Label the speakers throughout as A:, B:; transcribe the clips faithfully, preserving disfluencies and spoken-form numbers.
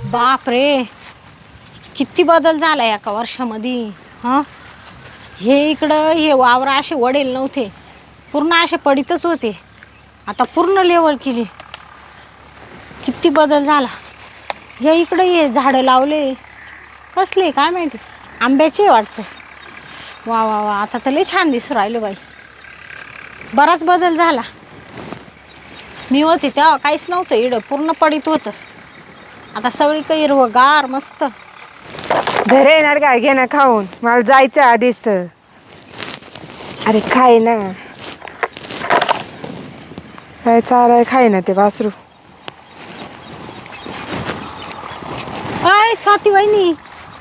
A: बाप रे, किती बदल झाला एका वर्षामध्ये. हां, हे इकडं हे वावर असे वडेल नव्हते, पूर्ण असे पडीतच होते. आता पूर्ण लेवल केली. किती बदल झाला. हे इकडं हे झाडं लावले, कसले काय माहिती, आंब्याचे वाटतं. वा वा वा, आता तर लय छान दिसू राहिलं बाई. बराच बदल झाला. मी होते तेव्हा काहीच नव्हतं, इकडं पूर्ण पडीत होतं. आता सगळी काही हिरवगार मस्त.
B: घरे येणार काय, घे ना खाऊन, मला जायचं आधीच तर. अरे खाय ना, काय चालाय, खाय ना ते वासरू.
A: काय स्वाती वहिनी,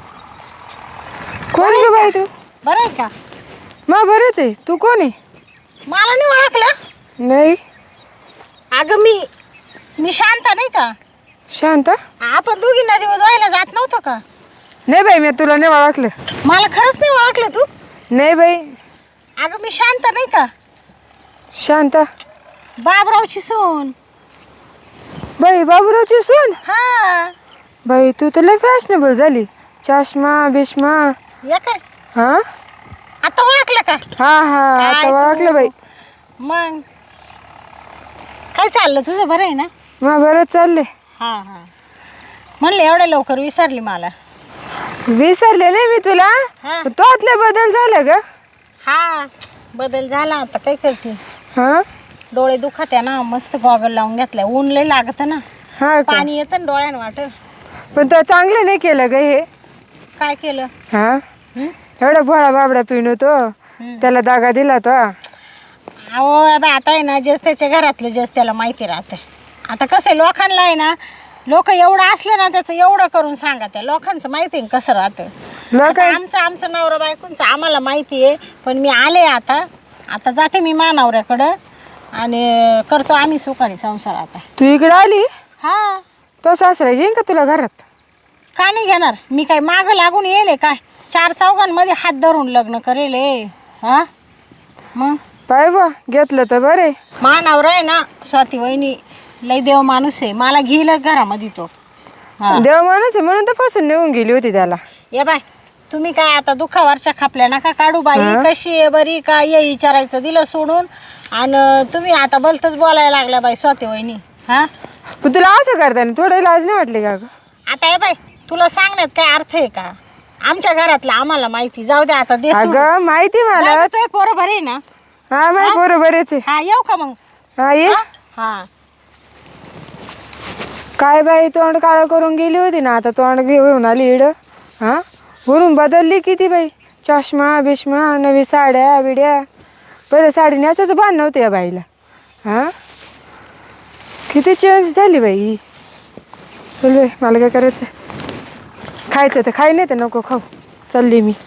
B: कोण ग बाई तू?
A: बरं आहे का?
B: मग बरंच आहे. तू कोण आहे?
A: मला नाही ओळखलं?
B: नाही.
A: अगं मी मी शांता नाही का?
B: शांत?
A: आपण दोघी नदी व्हायला जात नव्हतो का?
B: नाही बाई, मी तुला नाही ओळखलं.
A: मला खरंच नाही ओळखलं तू?
B: नाही बाई.
A: अगं मी शांता नाही का?
B: शांत?
A: बाबरावची सून.
B: बाई बाबूरावची सून?
A: हा.
B: बाई तू तर लय फॅशनेबल झाली. चष्मा बिष्मा.
A: या काय?
B: हा
A: आता ओळखलं का?
B: हा हा आता
A: काय
B: ओळखलं
A: तू?
B: बाई.
A: मग काय चाललं तुझं, बरं आहे ना?
B: मग बरं चालले.
A: हा हा, म्हणले एवढ्या लवकर विसरली मला.
B: विसरले नाही मी तुला.
A: हा.
B: तोतले बदल झाले ग.
A: हा, बदल झाला. आता काय करते,
B: हा
A: डोळे दुखत आहे ना, मस्त गॉगल लावून घेतलाय. ऊन लय लागत ना,
B: हा का?
A: पाणी येतं ना डोळ्यानं वाट.
B: पण तो चांगलं नाही केलं ग हे.
A: काय केलं?
B: हा
A: हं?
B: एवढा भोळा बाबडा पिणू तो, त्याला दागा दिला तो.
A: अहो बा, आता आहे ना, जेच त्याच्या घरातलं जेच त्याला माहिती राहतं. आता कसं आहे, लोकांना आहे ना, लोक एवढं असले ना त्याचं एवढं करून सांगा. त्या लोकांचं माहिती आहे कसं राहतं.
B: लोक
A: आता आमचं आमचं नवरा बायकोंचं आम्हाला माहिती आहे. पण मी आले आता आता जाते मी मा नवऱ्याकडं आणि करतो आम्ही सुखाने संसार. आता
B: तू इकडे आली,
A: हा,
B: तो सासरा येईन का तुला घरात?
A: का नाही घेणार? मी काय मागं लागून येले काय? चार चौघांमध्ये हात धरून लग्न करेल. हा मग
B: पाय बा, घेतलं तर बरे.
A: मा नवरा आहे ना, स्वाती वहिनी, लय देव माणूस आहे. मला घेईल घरामध्ये तो. हा,
B: देव माणूस आहे म्हणून तर फसून निघून गेली होती त्याला.
A: ये बाय, तुम्ही काय आता दुःखावरच्या खापल्या नका काढू बाई. कशी आहे, बरी का, ये विचारायचं दिलं सोडून. आणि तुम्ही आता भलतच बोलायला लागला बाई स्वाती वहिनी. हा,
B: पण तुला असं करताना थोडं लाज नाही वाटली का ग?
A: आता ये बाई, तुला सांगण्यात काय अर्थ आहे का? आमच्या घरातलं आम्हाला माहिती. जाऊ दे आता, दे सोडून.
B: अगं माहिती मला.
A: तो पोरं बरे आहे ना?
B: हा माहिती, बरोबर आहे.
A: हा, येऊ का मग?
B: हा ये.
A: हा,
B: काय बाई, तोंड काळं करून गेली होती ना, आता तोंड घेऊन आली इड. हा, वरून बदलली किती बाई. चष्मा बिष्मा, नवी साड्या बिड्या. पहिले साडी नेसायचं भान नव्हतं या बाईला. हा, किती चेंज झाली बाई. चल बाई, मला काय करायचं, खायचं तर खाई, नाही तर नको खाऊ. चालली मी.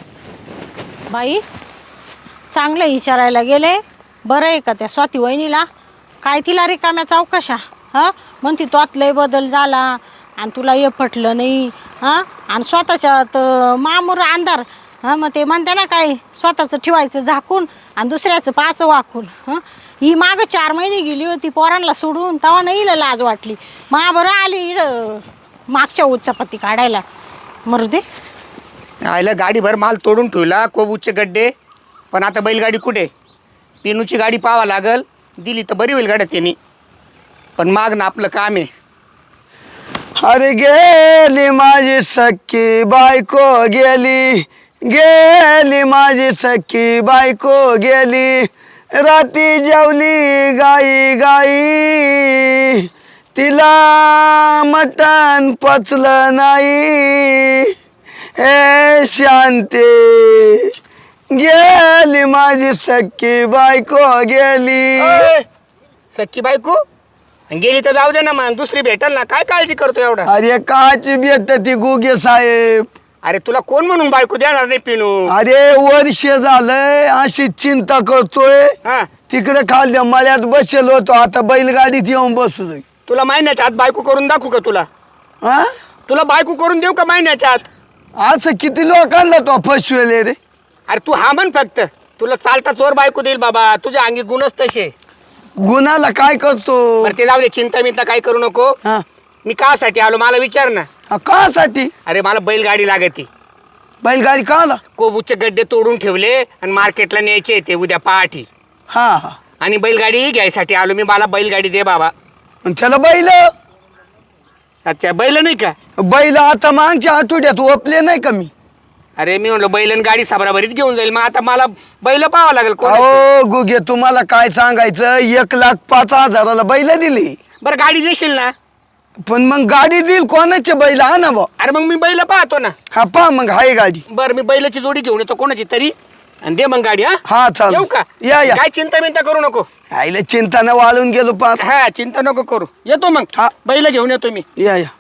A: बाई चांगलं विचारायला गेले. बरं आहे का त्या स्वाती वहिनीला? काय तिला रिकाम्या चौकशा. हां, म्हणती तोत लय बदल झाला आणि तुला हे पटलं नाही. हां, आणि स्वतःच्यात मामूर अंधार. हां, मग ते म्हणते ना, काय स्वतःचं ठेवायचं झाकून आणि दुसऱ्याचं पाचं वाकून. हां, ही मागं चार महिने गेली होती पोरांना सोडून, तेव्हा नाही हिला लाज वाटली. मा बरं आली इडं मागच्या उच्चपत्ती काढायला. मरू दे.
C: आयला गाडीभर माल तोडून ठेवला, कोबूचे गड्डे. पण आता बैलगाडी कुठे? पिनूची गाडी पाहावं लागल. दिली तर बरी होईल गाड्या त्यांनी, पण माग ना आपलं काम आहे.
D: अरे गेली माझी सख्खी बायको गेली, गेली माझी सख्खी बायको गेली. राती जेवली गाई गाई, तिला मटण पचलं नाही. ए शांती, गेली माझी सख्खी बायको गेली.
C: ओय, सख्खी बायको गेली तर जाऊ दे ना, मग दुसरी भेटल ना. काय काळजी करतो एवढा?
D: अरे काची भेट ती गुगे साहेब.
C: अरे तुला कोण म्हणून बायको देणार नाही पिनू?
D: अरे वर्ष झालंय अशी चिंता करतोय.
C: हा,
D: तिकडे खाल्ल्या मळ्यात बसेल होतो, आता बैलगाडीत येऊन बसलोय.
C: तुला महिन्याच्या आत बायको करून दाखवू का तुला?
D: हा,
C: तुला बायको करून देऊ का महिन्याच्या आत?
D: असं किती लोकांना तो फसवेले रे.
C: अरे तू हा म्हण फक्त, तुला चालता चोर बायको देईल बाबा. तुझ्या अंगी गुणच तसे.
D: गुन्हाला काय करतो?
C: बरं ते जाऊ दे, चिंता मिंता काय करू नको.
D: हा,
C: मी कासाठी आलो मला विचार ना.
D: हा, कासाठी
C: अरे मला बैलगाडी लागते.
D: बैलगाडी का आला?
C: कोबूचे गड्डे तोडून ठेवले आणि मार्केटला न्यायचे ते उद्या पहाटे.
D: हा हा.
C: आणि बैलगाडी घ्यायसाठी आलो मी. मला बैलगाडी दे बाबा.
D: आणि त्याला बैल
C: अच्छा बैल नाही का?
D: बैल आता मागच्या आठवड्यात ओपले नाही का मी?
C: अरे मी म्हणलो बैल आणि गाडी साबराबरीच घेऊन जाईल. मग आता मला बैल पाहावं लागेल कोण.
D: अहो गुगे तुम्हाला काय सांगायचं, एक लाख पाच हजाराला बैल दिली.
C: बरं गाडी देशील ना?
D: पण मग गाडी देईल कोणाचे बैल? हा ना बा.
C: अरे मग मी बैल पाहतो ना.
D: हा पा मग हाय गाडी.
C: बरं मी बैलाची जोडी घेऊन येतो कोणाची तरी आणि दे मग गाडी. हा
D: हा चाल
C: येऊ का?
D: या या.
C: काय चिंता मिंता करू नको.
D: आईला चिंता न वाळून गेलो पार.
C: हा चिंता नको करू. येतो मग.
D: हा.
C: बैल घेऊन येतो मी.
D: या या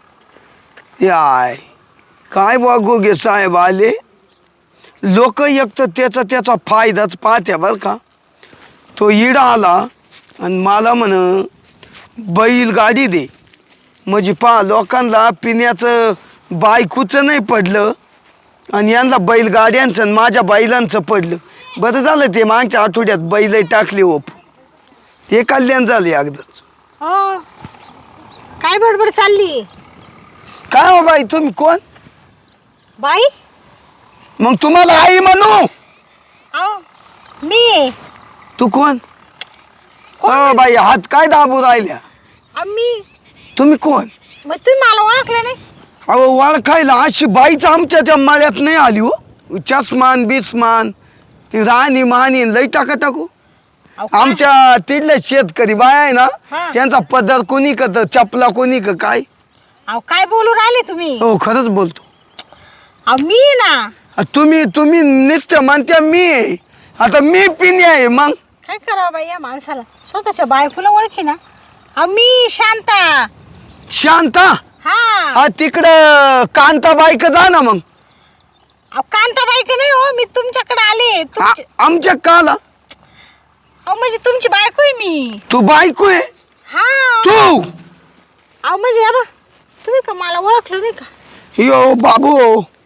D: याय काय बा गोगे साहेब आले. लोक एक तर त्याचा त्याचा फायदाच पाहत्या बरं का. तो इडा आला आणि मला म्हण बैल गाडी दे. म्हणजे पहा लोकांना पिण्याचं बायकूचं नाही पडलं आणि यांना बैलगाड्यांचं आणि माझ्या बैलांचं पडलं. बरं झालं ते मागच्या आठवड्यात बैल टाकले ओप. ते कल्याण झाले अगदंच.
A: हो काय बडबड चालली?
D: काय हो बाई तुम्ही कोण?
A: बाई
D: मग तुम्हाला आई म्हणू?
A: अहो मी
D: तू कोण? हो बाई हात काय दाबू राहिल्या?
A: मी
D: तुम्ही कोण?
A: मग तुम्ही मला ओळखलं नाही?
D: अहो ओळखायला अशी बाईच आमच्या त्या माळ्यात नाही आली हो. चष्मान बिस्मान ती राणी मानी लई टाका टाकू.
A: अहो, काय?
D: आमच्या तिथल्या शेतकरी बाय आहे ना
A: हा.
D: त्यांचा पदर कोणी का चपला कोणी का काय.
A: अहो काय बोलू राहिले तुम्ही?
D: हो खरंच बोलतो.
A: अहो मी ना.
D: अ, तुम्ही तुम्ही नुसतं म्हणत्या मी आहे. आता मी पिणी आहे मग
A: काय करावं बाई या माणसाला? स्वतःच्या बायकोला ओळखी ना. अहो मी शांता.
D: शांता.
A: हा
D: हा तिकडं कांताबाईक जा ना मग.
A: अहो कांताबाई का नाही हो, मी तुमच्याकडे आले.
D: आ-
A: तुमची-
D: आमच्या काला
A: अहो म्हणजे तुमची बायको आहे मी.
D: तू बायको आहे
A: हा
D: तू?
A: अहो म्हणजे या बा तुम्ही का मला ओळखलं नाही का?
D: यो बाबू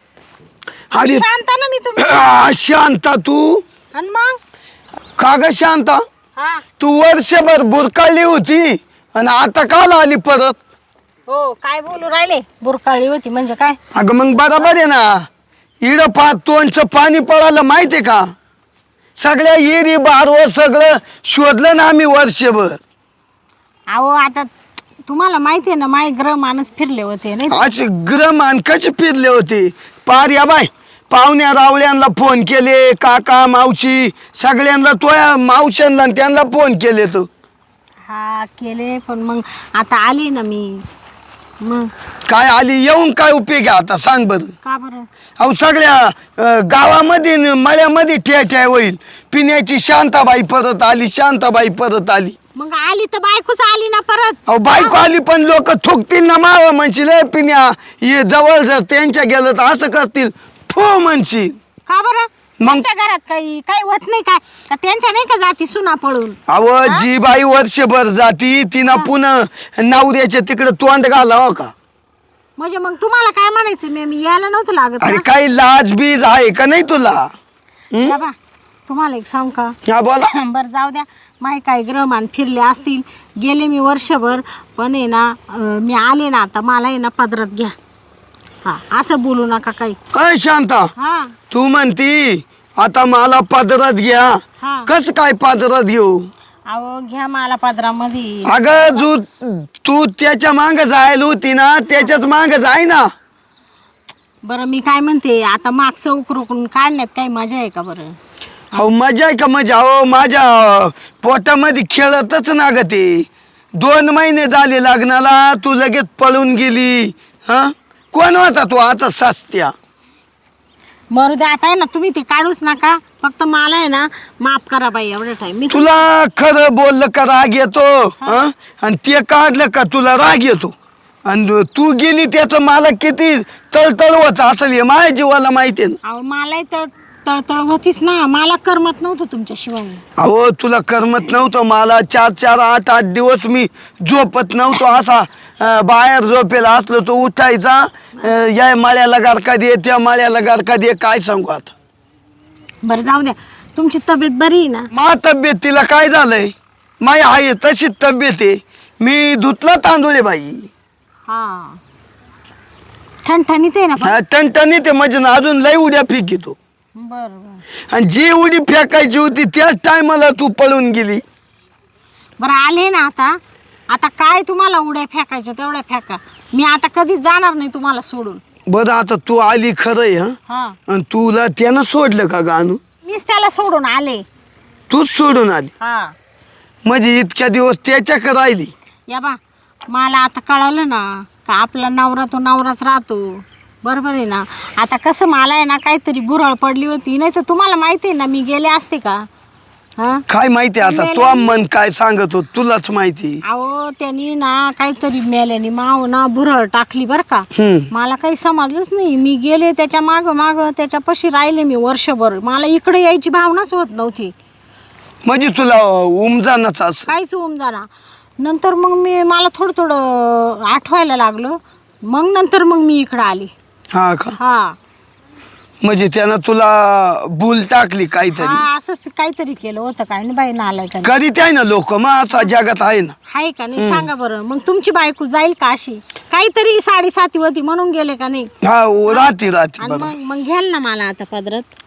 D: अरे
A: शांता ना मी तुमची.
D: आ, शांता तू
A: आणि मग
D: का ग शांता?
A: हा
D: तू वर्षभर बुरकाळली होती आणि आता काल आली परत?
A: हो काय बोलू राहिले? बुरकाळी होती म्हणजे काय?
D: अगं मग बरोबर आहे ना. इड पात तोंडचं पाणी पळालं माहितीये का? सगळ्या येरी बारवर सगळं शोधलं ना आम्ही वर्षभर.
A: अहो आता तुम्हाला माहिती आहे ना माय ग्रह माणूस फिरले होते नाही?
D: असे ग्रहमान कसे फिरले होते पार. या बाय पाहुण्या रावळ्यांना फोन केले, काका मावशी सगळ्यांना तोया मावशांना आणि त्यांना फोन केले. तर
A: हा केले पण मग आता आले ना मी. मग
D: काय आली येऊन काय उपयोग आहे आता सांग बरं.
A: का बरं?
D: अहो सगळ्या अं, गावामध्ये न मळ्यामध्ये ठ्या ठ्या होईल. पिण्याची शांताबाई परत आली, शांताबाई परत आली.
A: मग आली तर बायकोच आली ना परत.
D: अहो बायको आली पण लोक थुकतील ना माव म्हणशील "ए, पिण्या ये जवळ जर त्यांच्या गेलं तर असं करतील थो म्हणशील.
A: का बरं?
D: मग-
A: त्यांच्या घरात काही काही होत नाही काय? का त्यांच्या नाही का जाती सुना पळून?
D: अहो जी बाई वर्षभर जाती तिनं पुन्हा नवऱ्याच्या तिकडे तोंड घालावं का?
A: म्हणजे मग तुम्हाला काय म्हणायचं? मी मी यायला नव्हतं लागत
D: अरे
A: ना?
D: काही लाज बीज आहे का नाही तुला?
A: या बा, तुम्हाला एक सांग का?
D: हा बोला.
A: बरं जाऊ द्या. माय काय ग्रहमान फिरले असतील. गेले मी वर्षभर पण आहे ना अं, मी आले ना आता मला आहे ना पदरात घ्या. हा असं बोलू नका काही.
D: अय शांता
A: हा
D: तू म्हणती आता मला पदरात घ्या.
A: हा.
D: कस काय पदरात घेऊ?
A: अहो घ्या मला पदरामध्ये.
D: अगं जू तू त्याच्या मांग जायला होती ना त्याच्याच मांग जाय ना.
A: बरं मी काय म्हणते आता मागचं उकरून काढण्यात काही मजा आहे का बरं?
D: हो मजा आहे का मजा? हो माझ्या पोटामध्ये खेळतच ना ग ते. दोन महिने झाले लग्नाला तू लगेच पळून गेली. हा कोण होता तू आता सस्त्या?
A: मरू द्या आता आहे ना तुम्ही ते काढूच नका. फक्त मला आहे ना माफ करा बाई एवढा टाइम. मी
D: तुला खरं बोललं का राग येतो? हा आणि ते काढलं का तुला राग येतो? आणि तू गेली त्याचं मला किती तळतळ होत असेल हे माझ्या जीवाला माहिती आहे ना.
A: अहो मलाही तळ तळतळ होतीच ना. मला करमत नव्हतं तुमच्याशिवाय.
D: अहो तुला करमत नव्हतं. मला चार चार आठ आठ दिवस मी झोपत नव्हतो. असा अं, बाहेर झोपेला असलो तो उठायचा अं, या माळ्याला गारका दे त्या माळ्याला गारका दे. काय सांगू आता.
A: बरं जाऊ द्या. तुमची तब्येत बरी आहे ना?
D: मा तब्येत तिला काय झालंय? माय आहे तशीच तब्येत आहे. मी धुतला तांदूळ आहे बाई.
A: हा ठणठणीत आहे ना पण?
D: हा, टणटणी ते म्हणजे ना अजून लय उड्या फेकितो.
A: बरं बरं
D: आणि जी उडी फेकायची होती त्याच टायमाला तू पळून गेली.
A: बरं आले ना आता. आता काय तुम्हाला उड्या फेकायच्या तेवढ्या फेका. मी आता कधीच जाणार नाही तुम्हाला सोडून.
D: बरं आता तू आली खरंय हा,
A: हा
D: आणि तुला त्यानं सोडलं का गाणू?
A: मीच त्याला सोडून आले.
D: तूच सोडून आली
A: हा
D: म्हणजे इतक्या दिवस त्याच्याकडे राहिली.
A: या बा मला आता कळालं ना का आपला नवरा तो नवराच राहतो. बरोबर आहे ना. आता कसं मला आहे ना काहीतरी बुरळ पडली होती. नाही तर तुम्हाला माहिती आहे ना मी गेले असते का. हा
D: काय माहिती आता तो मन काय सांगत हो तुलाच माहिती.
A: अहो त्यांनी ना काहीतरी मेल्याने माव ना बुरळ टाकली बरं का.
D: हम्म.
A: मला काही समजलंच नाही. मी गेले त्याच्या मागं मागं त्याच्यापाशी राहिले मी वर्षभर. मला इकडे यायची भावनाच होत नव्हती.
D: म्हणजे तुला उमजानच असं.
A: काहीच होऊन जाणार. नंतर मग मी मला थोडं थोडं आठवायला लागलं. मग नंतर मग मी इकडं आली.
D: हा का
A: हा
D: म्हणजे त्यानं तुला भूल टाकली काहीतरी.
A: हा असंच काहीतरी केलं होतं काय नाही बाई नालायकाने.
D: करीत आहे ना लोक मग असा जगात आहे ना.
A: हाय का नाही सांगा बरं. मग तुमची बायको जाईल का अशी. काहीतरी साडेसाती होती म्हणून गेले का नाही.
D: हा ओ, राहते राहते
A: आणि
D: बरोबर.
A: मग मग घ्याल ना मला आता पदरात.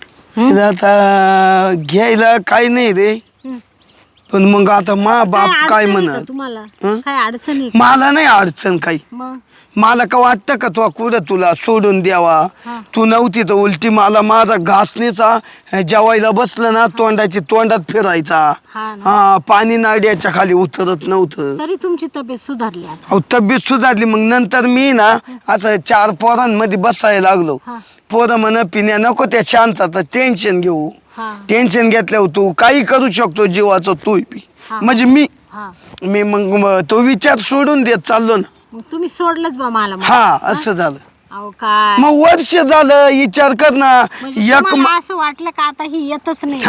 D: आता घ्यायला काही नाही रे
A: हं.
D: पण मग आता मा बाप
A: काय
D: काय
A: अडचण आहे का
D: म्हणत.
A: तुम्हाला.
D: हं?
A: काय अडचण आहे का?
D: मला नाही अडचण काही.
A: मग
D: मला का वाटतं का तो कुठं तुला सोडून द्यावा.
A: हा.
D: तू नव्हती तर उलटी मला माझा घासणीचा जेवायला बसलं ना तोंडाची तोंडात फिरायचा.
A: हा ना.
D: हा पाणी नाड्याच्या खाली उतरत नव्हतं.
A: तरी तुमची तब्येत सुधारली आता.
D: अहो तब्येत सुधारली मग नंतर मी ना असं चार पोरांमध्ये बसायला लागलो.
A: हा.
D: पोरं म्हण पिण्या नको त्या शांतता टेन्शन घेऊ.
A: हा
D: टेन्शन घेतल्यावर तू काही करू शकतो जीवाचं तू पी.
A: हा.
D: म्हणजे मी
A: हा
D: मी मग म- तो विचार सोडून देत चाललो ना.
A: मग तुम्ही सोडलंच बा मला मग.
D: हा असं झालं.
A: अहो काय
D: मग वर्ष झालं विचार कर ना.
A: म्हणजे
D: एक म-
A: तुम्हाला असं वाटलं का आता ही येतच नाही.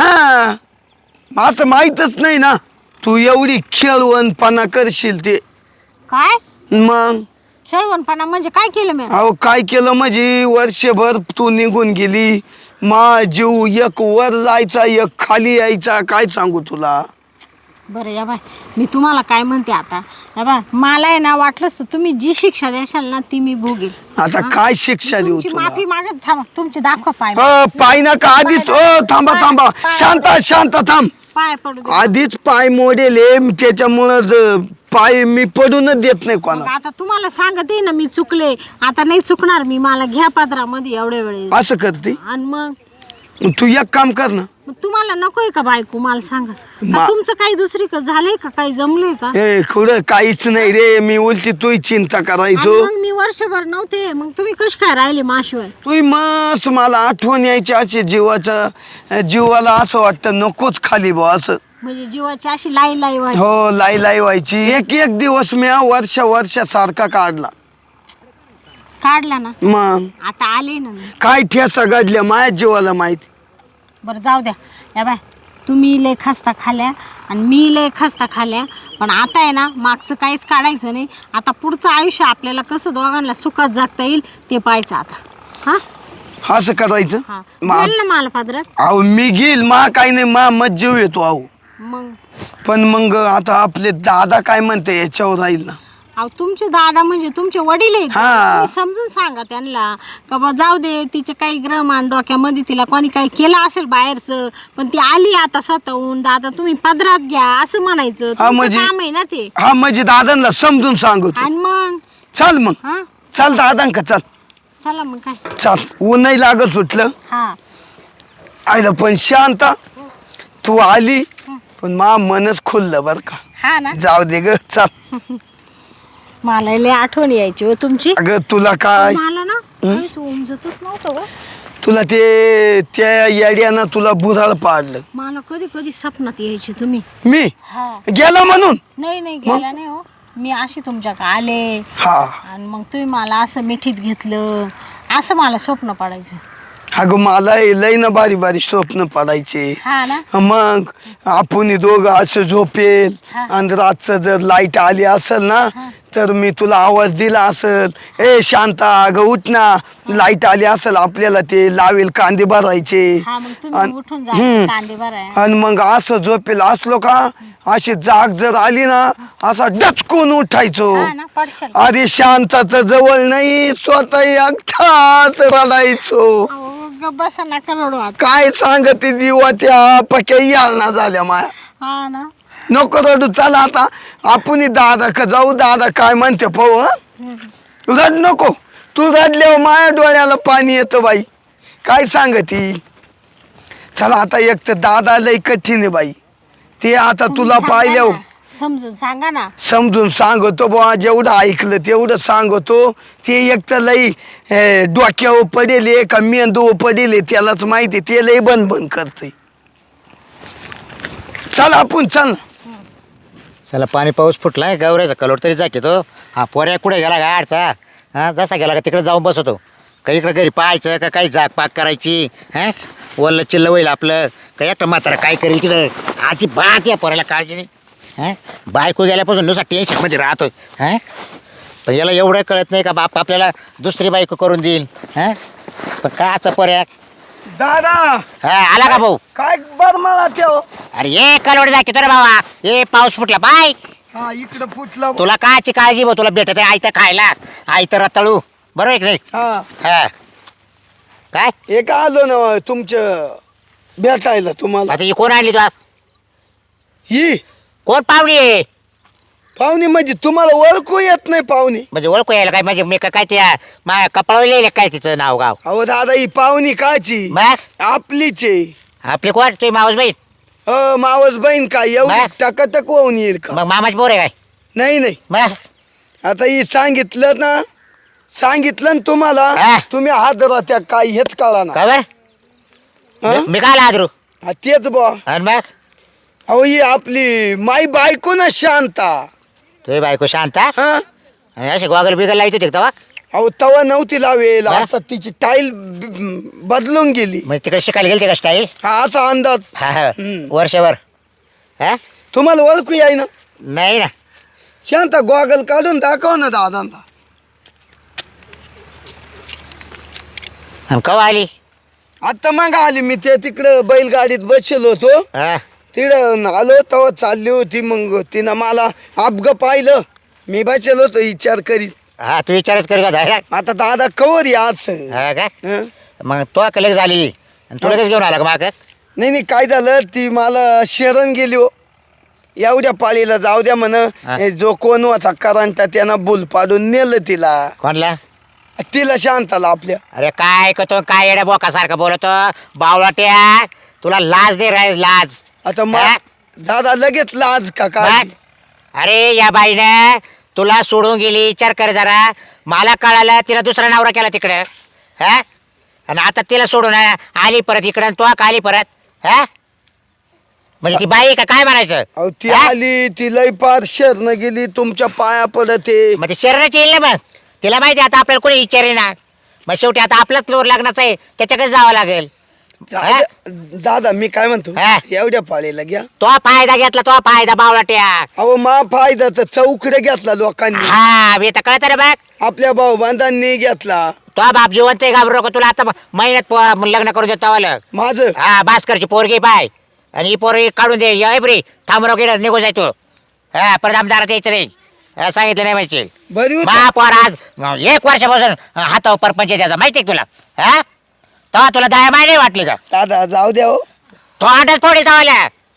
D: हा असं माहीतच नाही ना तू एवढी खेळवणपणा करशील ते.
A: काय
D: मग
A: खेळवणपणा म्हणजे काय केलं मी.
D: अहो काय केलं म्हणजे वर्षभर तू निघून गेली. मा जीव एक वर जायचा एक खाली यायचा काय सांगू तुला.
A: बरं या बाय मी तुम्हाला काय म्हणते आता. या बाय मला आहे ना वाटलंच तर तुम्ही जी शिक्षा द्याल ना ती मी भोगेल.
D: आता काय शिक्षा देऊ
A: तुमची
D: तुला.
A: माफी मागत थांबा. तुमची दाखवा पाय.
D: हो पाय नका आधीच. ओ थांबा थांबा शांत शांत थांब.
A: पाय पडू दे.
D: आधीच पाय मोडेले त्याच्यामुळं ज- पाय मी पडूनच देत नाही
A: मग
D: कोणा.
A: आता तुम्हाला सांगते ना मी चुकले. आता नाही चुकणार मी. मला घ्या पदरामध्ये एवढ्या वेळेस.
D: असं करते.
A: आणि मग
D: तू एक काम कर ना.
A: मग तुम्हाला नकोय का बायको मला सांगा. का
D: मा-
A: तुमचं काही दुसरी का झालंय का काही जमलंय का.
D: ए खुडं काहीच नाही रे मी उलटी तू चिंता
A: आणि
D: करायचो.
A: मग मी वर्षभर नव्हते. मग तुम्ही कश काय राहिले माशिवाय.
D: तू मस्त मला आठवण यायची अशी जीवाचा जीवाला असं वाटतं नकोच खाली बा असं.
A: म्हणजे जीवाची अशी लाई लाई व्हायची.
D: हो लाई लाई व्हायची. एक एक दिवस मी वर्ष वर्षासारखा काढला.
A: काढला ना.
D: मग
A: आता आले ना मी.
D: काय ठेसा घडल्या माझ्या जीवाला माहिती.
A: बरं जाऊ द्या. या बाय तुम्ही लय खस्ता खाल्या आणि मी लय खस्ता खाल्या. पण आता आहे ना मागचं काहीच काढायचं नाही. आता पुढचं आयुष्य आपल्याला कसं दोघांना सुखात जगता येईल ते पाहायचं आता. हा
D: असं करायचं.
A: हा
D: मा-
A: घाल ना मला पदरात.
D: अहो मी घेईल मा काही नाही मा मत जीव येतो अहो.
A: मग
D: पण मग आता आपले दादा काय म्हणते याच्यावर राहील ना.
A: अहो तुमचे दादा म्हणजे तुमचे वडील आहेत.
D: हा.
A: तुम्ही समजून सांगा त्यांना का बा जाऊ दे तिचे काही ग्रहमान डोक्यामध्ये तिला कोणी काही केलं असेल बाहेरचं पण ती आली आता स्वतःहून. दादा तुम्ही पदरात घ्या असं म्हणायचं.
D: हा,
A: तुमचं
D: म्हणजे-
A: काम आहे ना ते.
D: हा म्हणजे दादांना समजून सांगतो.
A: आणि मग
D: चल मग
A: हा
D: चल दादांका चल
A: चला मग काय.
D: चल ऊनही लागत सुटलं.
A: हा
D: आयला पण शांत तू आली पण मा मनच खुललं बर का.
A: हा ना.
D: जाऊ दे ग चल.
A: मला लय आठवण यायची हो तुमची.
D: अगं तुला काय
A: मला ना काहीच उमजतच नव्हतं हो.
D: तुला ते त्या याड्यानं तुला बुराळ पाडलं.
A: मला कधी कधी स्वप्नात यायचे तुम्ही.
D: मी
A: हा
D: गेला म्हणून.
A: नाही नाही गेला नाही हो. मी अशी तुमच्याकडे आले
D: हा
A: आणि मग तुम्ही मला असं मिठीत घेतलं असं मला स्वप्न पडायचं.
D: अगं मला हे लय ना बारी बारी स्वप्न पडायचे.
A: हा ना.
D: मग आपण दोघं असं झोपेल
A: हा.
D: आणि रातचं जर लाईट आली असेल ना तर मी तुला आवाज दिला असेल, ए शांता अगं उठ ना, लाईट आली असेल आपल्याला ते लावेल कांदे भरायचे.
A: हा मग तुम्ही
D: अन-
A: उठून
D: हम्म.
A: जा कांदे भराय.
D: आणि मग असं झोपेल असलो का अशी जाग जर आली ना असा डचकून उठायचो.
A: हा ना पडशाल.
D: आधी शांताचं जवळ नाही स्वतः एकटाच रडायचो.
A: अहो, गप्प बसा नका रडू आता.
D: काय सांगते जीवा त्या पक्या यालना झाल्या माया.
A: हा ना.
D: नको रडू, चला आता आपण दादा का जाऊ, दादा काय म्हणते पाहू. हं? रड नको, तू रडल्यावर माया डोळ्याला पाणी येतं बाई. काय सांगती. चला आता एक तर दादा लय कठीण आहे बाई, ते आता तुला
A: सांगा
D: पाहिल्यावर
A: ना. समजून सांगा ना.
D: समजून सांगतो बुवा, जेवढं ऐकलं तेवढं सांगतो. ते एक तर लई ए, डोक्यावर पडेल का मेंदूवर पडेल त्यालाच माहिती, ते लई बंद बंद करते. चल आपण चल.
E: चला पाणी पाऊस फुटलाय, गवऱ्याचा कलोट तरी जाके तो. हा पोऱ्या कुठे गेला गाडचा, हा जसा गेला का तिकडे जाऊन बसतो. का इकडे घरी पाहायचं का काही जाग पाक करायची. हा वल्ल चिल्ल होईल आपलं, का एकटं म्हातारा काय करेल तिकडं. आजी बात या पोऱ्याला काळजी नाही. हा बायको गेल्यापासून नुसता टेन्शनमध्ये राहतोय. हा पण याला एवढं कळत नाही का बाप आपल्याला दुसरी बायको करून देईल. हा पण काय असं पोऱ्या.
D: दादा
E: हा आला का भाऊ.
D: काय बर मला ठेव.
E: अरे ये कलोट जाके तो रे बाबा, ये पाऊस फुटला बाय.
D: हा इकडं फुटलं.
E: तुला कायची काळजी भाऊ, तुला भेटत आहे आयतं खायला, आयतं रताळू, बरोबर आहे की नाही.
D: हा
E: हा काय
D: एक आलो ना तुमचं भेटायला तुम्हाला.
E: आता ही कोण आणली तू आज.
D: ही
E: कोण पाहुणी आहे.
D: पाहुणी म्हणजे तुम्हाला ओळखू येत नाही पाहुणी.
E: म्हणजे ओळखू यायला काय म्हणजे मी का- काय त्या माझ्या कपाळावर लिहिले काय तिचं नाव गाव.
D: अहो दादा ही पाहुणी काची
E: मग
D: आपलीच आहे.
E: आपली कोण तुझी मावस बहीण.
D: अ मावस बहीण का एवढी
E: बाय.
D: टकाटक होऊन येईल का.
E: मग मामाची पोर आहे काय.
D: नाही नाही,
E: मग
D: आता ही सांगितलं ना, सांगितलं ना तुम्हाला,
E: हा.
D: तुम्ही हादरा त्या काय हेच कळा ना.
E: का बरं
D: हं?
E: मी काय आदरू.
D: हा, तेच बुवा.
E: आणि मग
D: अहो ही आपली माई बायको ना शांता.
E: तुझी बायको शांता
D: हा
E: आणि असे गोगल बिगल लावते ते तेव्हा.
D: अहो तवा नव्हती लावेल,
E: हा?
D: आता तिची टाईल बदलून गेली.
E: म्हणजे तिकडे शिकायला गेलते का स्टाईल.
D: हा असा अंदाज.
E: हा हा
D: हम्म.
E: वर्षभर. हा
D: तुम्हाला ओळखू याय ना.
E: नाही ना.
D: शांता गॉगल काढून दाखव ना दादांना.
E: आणि कवा आली.
D: आता मग आली मी ते तिकडं बैलगाडीत बसलो होतो,
E: हा
D: तिकडं आलो तेव्हा चालली होती. मग तिनं मला अपग पाहिलं, मी बसलो होतो विचार करीत.
E: हा तू विचारच करू का.
D: आता दादा कवर या असं.
E: हा का
D: हं?
E: मग तो कलेक्ट झाली आणि तू लगेच घेऊन आला का माग.
D: नाही नाही, काय झालं ती मला शरण गेली हो. एवढ्या पाळीला जाऊ द्या म्हण.
E: हा.
D: हे जो कोण होता करंटा त्यानं बुल पाडून नेलं तिला.
E: कोणला.
D: तिला शांताला आपल्या.
E: अरे काय करतो काय येड्या बोकासारखं बोलतो बावळाट्या. तुला लाज दे रे लाज.
D: आता
E: हा?
D: मग दादा लगेच लाज का काय.
E: मग? अरे या बाईनं तुला सोडून गेली विचार कर जरा. मला कळालं तिला दुसरा नवरा केला तिकडं. हा आणि आता तिला सोडून आली परत इकडं आणि तो का आली परत. हा म्हणजे ती बाई का काय म्हणायचं.
D: अहो ती
E: हा?
D: आली, ती लई पार शरण गेली तुमच्या पाया पडते.
E: मग ते शरीराची येईल ना. मग तिला माहिती आहे आता आपल्याला कोणी विचारे ना. मग शेवटी आता आपलंच लोर लग्नाचं आहे त्याच्याकडे जावं लागेल. हा?
D: दादा मी काय म्हणतो,
E: हा.
D: एवढ्या पाळीला घ्या.
E: तो फायदा घेतला तो फायदा बावळाट्या.
D: अहो मा फायदा तर चौकडे घेतला लोकांनी.
E: हा मी तर कळत रे बघ.
D: आपल्या भाऊ बांधांनी घेतला.
E: तो बाप जिवंत आहे घाबरू नको. तुला आता महिन्यात पो- लग्न करून देतो वालं.
D: माझं
E: हा भास्करची पोरगी पाय आणि ही पोरगी काढून दे. ये बरी थांबरो गेला निघून जायचो. हा परत आमदारात यायचं नाही. हा, सांगितलं नाही माहिती.
D: बरी होती.
E: बापोर आज एक वर्षापासून हातावर परपंच द्यायचा माहिती आहे तुला. हा तेव्हा तुला दया माय नाही वाटली का.
D: दादा जाऊ द्या हो.
E: तो अंडच फोडी जावाल्या.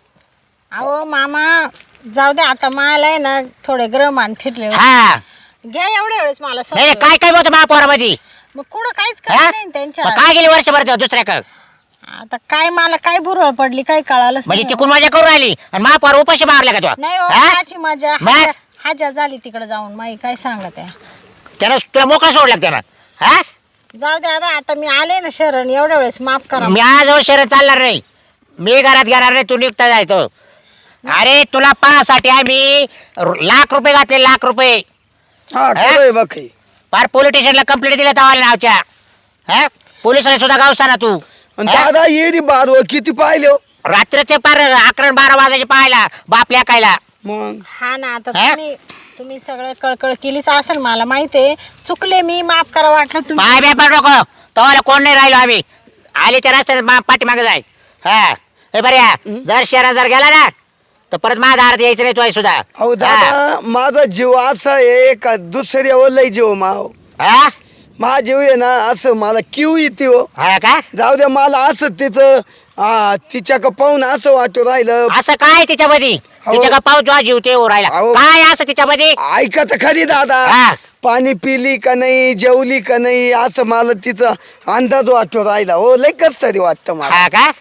A: अहो मामा जाऊ दे आता. मला आहे ना थोडे ग्रहमान फिरले होते.
E: हा
A: घ्या एवढ्या वेळेस मला
E: नाही नाही,
A: समजलं.
E: काय काय बोलतो महापौरामध्ये.
A: मग कुठं काहीच
E: हा?
A: काय नाही त्यांच्या.
E: मग काय गेली वर्षभर दुसऱ्याकडे.
A: आता काय मला काय बुरळ पडली काय कळालंच
E: म्हणजे
A: नाही.
E: तिकून मजा करून राहिली आणि महापौर उपाशी मारला का तो.
A: नाही हो,
E: हा?
A: माझी माझ्या
E: मग?
A: हाजा- हाजा झाली तिकडे जाऊन. माई काय सांगत आहे.
E: त्यानं तुला मोकळा सोडला त्यानं. हा
A: जाऊ दे आता. आता मी आले ना शरण एवढ्या वेळेस माफ करा.
E: मी आजवर शहरात चालणार नाही. मी घरात घेणार नाही. तू निघता जायचो. अरे तुला पाहासाठी आम्ही लाख रुपये घातले लाख रुपये.
D: हा खरंय बाकी.
E: फार पोलीस स्टेशनला कंप्लेंट दिल्या तवाला नावच्या. हा पोलिसांनी सुद्धा गावसा ना तू
D: आणि
E: हा?
D: दादा येरी बारव किती पाहिले हो?
E: रात्रीचे पार अकरा आणि बारा वाजायचे पाहायला बापल्या कायला
D: मग
A: हा ना आता
E: हा?
A: तुम्ही तुम्ही सगळं कळकळ केलीच असेल मला माहितीये चुकले मी माफ करा वाटलं तुम्ही
E: पाय बेपार नको तवाला कोण नाही राहिलो आम्ही आले त्या रस्त्यात पाठीमागे जाय हा हे बऱ्या जर शहरात जर गेला ना तर परत माझ्या दारात यायचं नाही तो सुद्धा
D: अहो दादा माझा जीव असा आहे का दुसऱ्यावर लय जीव माव
E: हा
D: माझा जीव आहे ना असं मला किव येते हो
E: हा का
D: जाऊ द्या मला असं तिचं हा तिच्या का पाहून असं वाटू राहिलं
E: असं काय तिच्यामध्ये
D: अहो.
E: तिच्या का पाऊस जेव्हा जीव ते राहिला
D: अहो.
E: काय असं तिच्यामध्ये
D: ऐका तर खरी दादा
E: हा.
D: पाणी पिली का नाही जेवली का नाही असं मला तिचा अंदाज वाटू राहिला हो लय कस तरी वाटतं मला
E: हा का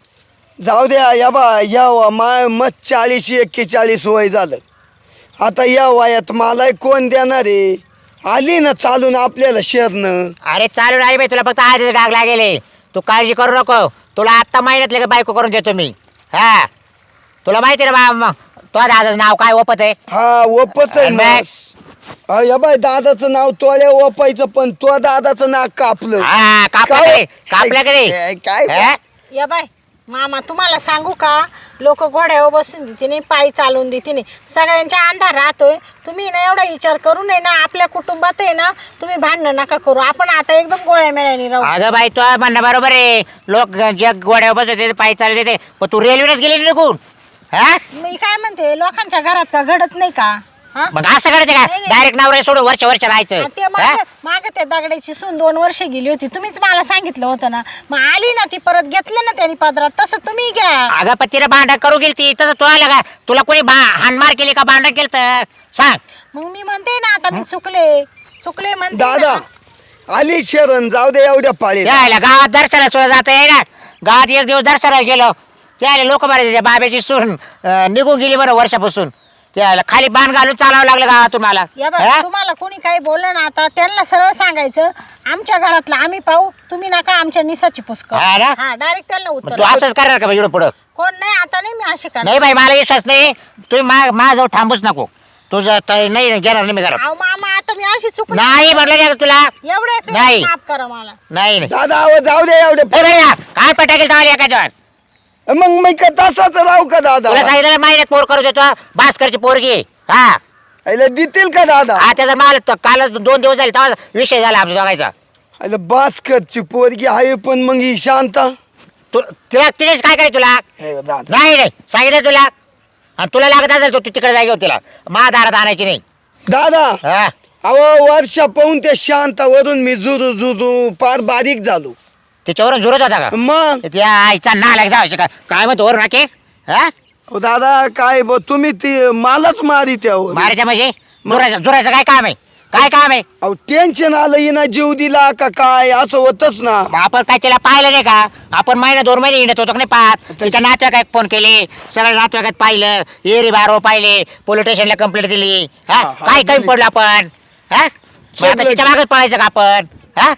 D: जाऊ द्या या बा या वा- मा मग चाळीस एक्केचाळीस वय झालं आता या वयात मला कोण देणार आहे आली ना चालून आपल्याला शेरणं
E: अरे चालून आली बाई तुला फक्त आज डाग लागेले तू काळजी करू नको तुला आत्ता महिन्यातले का बायको करून देतो मी हा तुला माहिती आहे ना मग तुझ्या दादाचं नाव काय ओपत आहे
D: हा ओपत आहे
E: आणि
D: ना
E: मग?
D: हा, या बाई दादाचं नाव तोल्या ओपायचं पण तो दादाचं नाक कापलं
E: हा कापल्याकडे कापल्याकडे
D: काय काय-
E: हा?
A: या बाय मामा तुम्हाला सांगू का लोक घोड्यावर बसून देते नाही पायी चालवून देते नाही सगळ्यांच्या अंधार राहतोय तुम्ही ना एवढा विचार करू नये ना आपल्या कुटुंबात आहे ना तुम्ही भांडणं नका करू आपण आता एकदम गोळ्या मेळ्याने राहू
E: अगं बाई तो म्हणणं बरोबर आहे लोक जग गोड्यावर बसत पायी चालत येते पण तू रेल्वेनेच गेली निघून हा
A: मी काय म्हणते लोकांच्या घरात का घडत नाही का हा
E: मग असं करायचं का
A: नाही, नाही.
E: डायरेक्ट नवरे सोडून वर्ष वर्ष राहायचं
A: आ, ते
E: हा?
A: माग माग त्या दगडाची सून दोन वर्ष गेली होती तुम्हीच मला सांगितलं होतं ना मग आली ना ती परत घेतलं ना त्यांनी पदरात तसं तुम्ही घ्या
E: अगं पण तिला भांडण करू गेली ती तसं तू आलं का तुला कोणी भा हानमार केली का भांडण केलं तर सांग
A: मग मी म्हणते ना आता मी चुकले चुकले म्हणते
D: दादा
A: ना.
D: आली शरण जाऊ दे एवढ्या पाळी
E: त्याला गावात दर्शनाला सुद्धा जाता येणार गावात एक दिवस दर्शनाला गेलो त्याला लोक बरे त्या बाब्याची सून अं, निघून गेली बरं वर्षापासून त्याला खाली बाण घालून चालावं लागलं गावातून मला
A: या
E: हा?
A: बघा तुम्हाला कोणी काही बोललं ना आता त्यांना सरळ सांगायचं आमच्या घरातलं आम्ही पाहू तुम्ही नका आमच्या निसाची पुष्कर
E: हा ना?
A: हा डायरेक्ट त्यांना
E: मग
A: उत्तर
E: तू असंच करणार का एवढं पुढं
A: कोण नाही आता नाही मी अशी करणार
E: नाही बाई मला विश्वास नाही तुम्ही मा माझ्याजवळ थांबूच नको तुझं त- नाही घेणार नाही मी घरात
A: अहो मामा आता मी अशी चुकली
E: नाही म्हटलं नाही आता तुला
A: एवढ्याच
E: नाही.
A: वेळेस माफ करा मला
E: नाही नाही
D: दादा अहो, जाऊ दे एवढे
E: ए भैया, काय पटाकेल तवाली एकाच्यावर
D: मग मी का तसाच राहू का दादा
E: तुला सांगितलं ना, महिन्यात पोर करू देतो भास्करची पोरगी हा
D: आईला देतील का दादा
E: हा त्याचा माल त- काल दोन दिवस झाले तेव्हा विषय झाला आमच्या दोघायचा
D: आईला बास्करची पोरगी आहे पण मग ही शांता
E: तू तिला तिथेच काय करायचं तुला
D: हे दादा
E: नाही नाही सांगितलं तुला आणि तुला लागत असेल तू तिकडे जागी तिला मा दारात आणायची नाही
D: दादा
E: हा
D: अहो वर्षा पाहून त्या शांतावरून मी जुरू जुरू फार बारीक झालो
E: तिच्यावरून झुरत होता का
D: मग
E: त्या आईचा नालायक जायचं का काय म्हणतो वरून नाके हा
D: अहो, दादा काय ब तुम्ही ती मलाच मारी त्यावर
E: मारायच्या म्हणजे झुरायचं झुरायचं काय काम आहे काय काम आहे
D: अहो टेन्शन आलं हिना जीव दिला का काय असं होतच ना
E: मग आपण काय तिला पाहिलं नाही का आपण महिना दोन महिने हिंडत होतो का नाही पाहत तिच्या नातेवाईकात फोन केले सगळ्या नातेवाईकात पाहिलं एरी बारो पाहिले पोलीस स्टेशनला कंप्लेंट दिली हा
D: हा, हा,
E: काय कमी
D: दिली.
E: पडलं आपण हा मग आता
D: सगळं-
E: तिच्या मागच पळायचं का आपण हा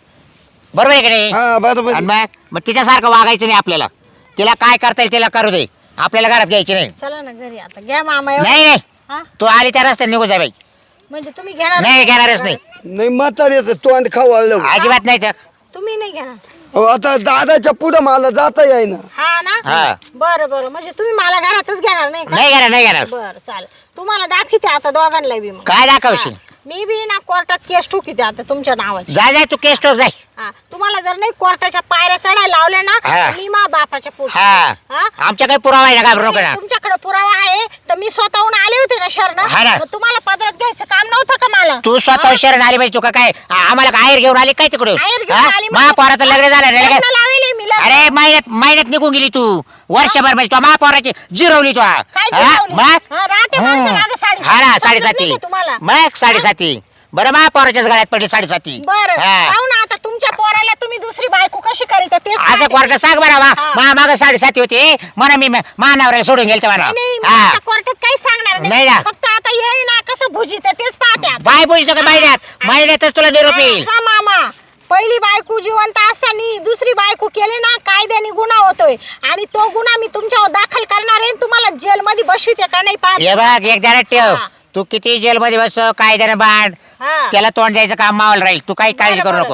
E: बरोबर आहे का नाही
D: हा बरोबर
E: आणि मग मग तिच्यासारखं वागायचं नाही आपल्याला तिला काय करता येईल तिला करू दे आपल्याला घरात घ्यायची नाही
A: चला ना घरी आता घ्या मामा एवढं.
E: नाही नाही
A: हा
E: तू आली त्या रस्त्याने निघून जा बाई
A: म्हणजे तुम्ही घेणार
E: नाही घेणारच नाही
D: नाही म्हाताऱ्याचं तोंड खवळलं
E: अजिबात नाही तर
A: तुम्ही नाही घेणार
D: अहो, आता दादाच्या पुढं मला जाता येईना
A: हा ना
E: हा.
A: बरं बरं म्हणजे तुम्ही मला घरातच घेणार नाही का
E: नाही घेणार नाही घेणार
A: बरं चालेल तुम्हाला दाखवते आता दोघांना बी मग
E: काय दाखवशील
A: हा. मी बी ना कोर्टात केस ठोकीते आता तुमच्या नावाची
E: जाय जाय तू केस टोक जाय
A: हा तुम्हाला जर नाही कोर्टाच्या पायऱ्या चढायला लावल्या ना
E: हा.
A: तर मी मा बापाच्या पुढे
E: हा आमच्या काही पुरावा आहे ना घाबरू नको ना
A: तुमच्याकडे पुरावा आहे तर मी स्वतःहून आले होते ना शरण
E: हा ना.
A: तुम्हाला पदरात घ्यायचं काम नव्हतं का मला
E: तू स्वतः शरण आली पाहिजे तू का काय आ- आम्हाला काय आयर घेऊन आली काय तिकडून
A: आयर घेऊन आली म्हणजे-
E: महापौराचं लग्न झालं नाही
A: लग्न
E: का?
A: लावेले मी लग्न.
E: अरे महिन्यात महिन्यात निघून गेली तू वर्षभर म्हणजे तू महापौराची जिरवली तू हा.
A: काय
E: हा?
A: जिरवली?
E: मग
A: हा, राहते
E: हम्म.
A: माणसं मागं साडेसाती.
E: हा ना
A: समजत
E: साडेसाती
A: नाही का तुम्हाला?
E: मग साडेसाती बरं महापौराच्याच गळ्यात पडली साडेसाती
A: बरं
E: हा.
A: पाहू ना आता तुमच्या पोराला तुम्ही दुसरी बायको कशी करीता तेच
E: असं
A: पाहते.
E: कोर्टात सांग बरं मा
A: हा.
E: मा- मागं साडेसाती होती म्हणा मी मानावऱ्याला सोडून गेलते म्हणा
A: नाही, नाही मी
E: हा
A: आता कोर्टात काहीच सांगणार
E: नाही
A: नाही
E: ना.
A: फक्त आता येई ना कसं भुजीत तेच पाहते आता.
E: बाय बोलतो का महिन्यात महिन्यातच तुला निरोप येईल
A: हा मामा पहिली बायको जिवंत असताना दुसरी बायको केली ना कायद्याने गुन्हा होतोय आणि तो गुन्हा मी तुमच्यावर दाखल करणार आहे तुम्हाला जेलमध्ये बसविते का नाही
E: हे
A: पाहते
E: बघ एक जरा ठेव
A: हा.
E: तू किती जेलमध्ये बस कायद्याने बांध
A: हा.
E: त्याला तोंड द्यायचं काम मावल राहील तू काही काळजी
A: बरं,
E: करू
A: बरं.
E: नको
A: तुमच्या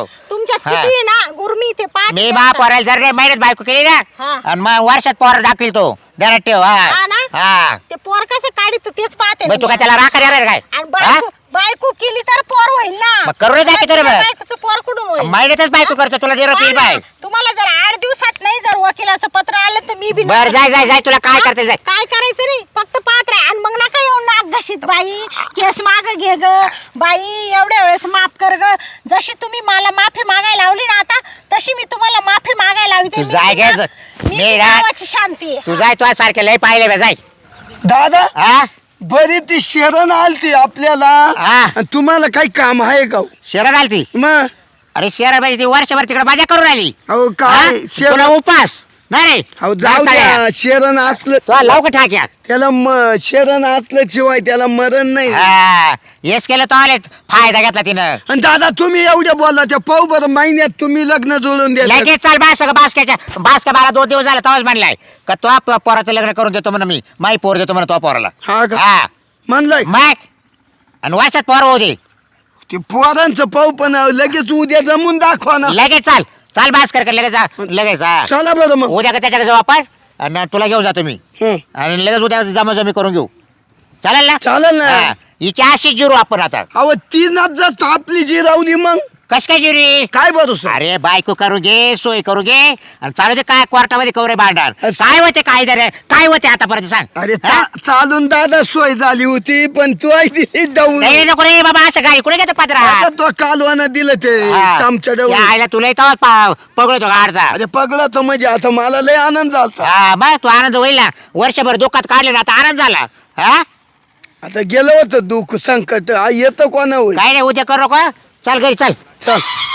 A: तुमच्यात
E: हा.
A: किती आहे ना गुरमी ते पाहते
E: मी
A: मी
E: मा
A: आता.
E: पोरायला जर नाही महिन्यात बायको केली ना
A: हा.
E: आणि मग वर्षात पोर दाखवील तो ध्यानात ठेव
A: हा
E: हा
A: ना?
E: हा
A: ते पोर कसं काढित तेच पाहते
E: मग तू काय त्याला राखा देणार काय
A: आणि
E: हा?
A: बायको बायको केली तर पोर होईल ना.
E: मग करू दे दाखवतो रे बरं.
A: बायकोचं पोर कुठून होईल?
E: महिन्यातच बायको करतो तुला देणार
A: पहा
E: येईल
A: ना,
E: बाय
A: तुम्हाला जर आठ दिवसात नाही जर वकिलाचं पत्र आलं तर मी बी
E: बर जाय जाय जाय तुला काय
A: हा?
E: करते जाय
A: काय करायचं नाही फक्त पाहत राहा आणि मग नका येऊन नाक घशीत बाई केस माग घे ग बाई एवढ्या वेळेस माफ कर ग. जशी तुम्ही मला माफी मागायला लावली ना आता तशी मी तुम्हाला माफी मागायला लावते.
E: तू
A: मी
E: जाय
A: ना-
E: घे,
A: मी
E: मी ना-
A: गावाची शांती आहे.
E: तू जाय तुझ्या सारखे लय पाहिले बे, जाय
D: दादा
E: हा
D: बरी ती शरण आलती आपल्याला
E: हा.
D: आणि तुम्हाला काही काम आहे का हो?
E: शहरात आली ती
D: मग
E: अरे शहरा ती वर्षभर तिकडे मजा करून आली
D: अहो
E: हा?
D: काय
E: तुला
D: शरण
E: उपास नाही
D: अहो जाऊ द्या शरण असलं
E: तुला लवकर ठाक्या
D: त्याला म शरण असलं शिवाय त्याला मरण नाही
E: हा हेच केलं तो आले फायदा घेतला तिनं
D: आणि दादा तुम्ही एवढ्या बोलला त्या पाऊ बरं महिन्यात तुम्ही लग्न जुळून द्या
E: लगेच चाल बास बासक्याच्या बासका बाला दोन दिवस झाला तेव्हाच म्हणलाय का तो आप- पोराचं लग्न करून देतो म्हणून मी माई पोर देतो म्हणून तो पोराला
D: हा का
E: हा
D: म्हणलंय
E: मग आणि वर्षात पोर होऊ दे
D: ते पोरांचं पाऊ पण लगेच उद्या जमून दाखवा ना
E: लगेच चाल चाल बास कर लगेच जा लगेच हा
D: चला बरं मग
E: उद्या का त्याच्याकडे जाऊ आपण आणि तुला घेऊन जातो मी
D: हं.
E: आणि लगेच उद्या जमा जमी करून घेऊ चालेल ना
D: चालेल ना.
E: हा. हिची अशीच जिरू आपण आता
D: अहो तीनच जर आपली जी रावली मग
E: कस काय जिरी
D: काय भरोसा
E: अरे बायको करू घे सोय करू घे आणि चालू दे काय कोर्टामध्ये कवरे भांडार
D: असं.
E: काय होते काय रे काय होते आतापर्यंत सांग
D: अरे
E: हा?
D: चा- चालून दादा सोय झाली होती पण तू आई दिली डाऊन
E: नाही नको रे बाबा असं गाडी कुठे घेतो पत्रा
D: आता तो कालवानं दिलं ते चमच्या डाऊन
E: आयला तुला तेव्हा पगळतो गाडचा
D: अरे पगला तर म्हणजे आता मला लय आनंद झाला
E: हा मग तू आनंद होईल ना वर्षभर दुःखात काढले ना आता आनंद झाला हा
D: आता गेलं होतं दुःख संकट आ, येतं कोणा होईल
E: काय नाही उद्या करू का चल घरी चल
D: चल